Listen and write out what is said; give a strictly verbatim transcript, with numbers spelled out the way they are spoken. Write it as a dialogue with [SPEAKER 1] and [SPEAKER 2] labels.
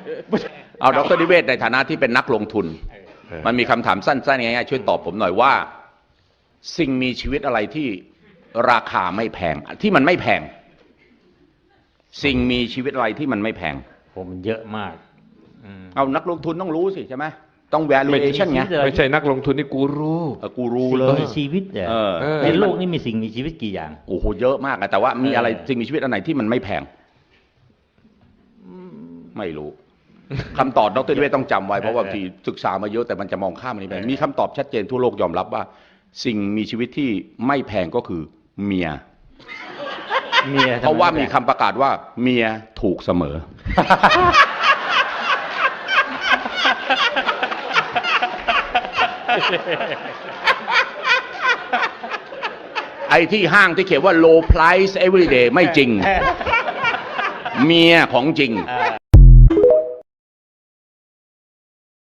[SPEAKER 1] เอาดร.นิเวศในฐานะที่เป็นนักลงทุนมันมีคำถามสั้นๆง่ายๆช่วยตอบผมหน่อยว่าสิ่งมีชีวิตอะไรที่ราคาไม่แพงที่มันไม่แพงสิ่งมีชีวิตอะไรที่มันไม่แพง
[SPEAKER 2] ผมเยอะมาก
[SPEAKER 1] เอานักลงทุนต้องรู้สิใช่ไหมต้อง valuation ไง
[SPEAKER 3] ไม่ใช่นักลงทุนนี่กูรู้
[SPEAKER 1] กูรู้เลย
[SPEAKER 2] มีชีวิตเหรอในโลกนี้มีสิ่งมีชีวิตกี่อย่าง
[SPEAKER 1] โอ้โหเยอะมากแต่ว่ามีอะไรสิ่งมีชีวิตอันไหนที่มันไม่แพงไม่รู้คำตอบดร.นิเวศต้องจำไว้เพราะว่าที่ศึกษามาเยอะแต่มันจะมองข้ามมันนี้ไปมีคำตอบชัดเจนทั่วโลกยอมรับว่าสิ่งมีชีวิตที่ไม่แพงก็คือเมีย
[SPEAKER 2] เมีย
[SPEAKER 1] เพราะว่ามีคำประกาศว่าเมียถูกเสมอไอ้ที่ห้างที่เขียนว่า low price every day ไม่จริงเมียของจริง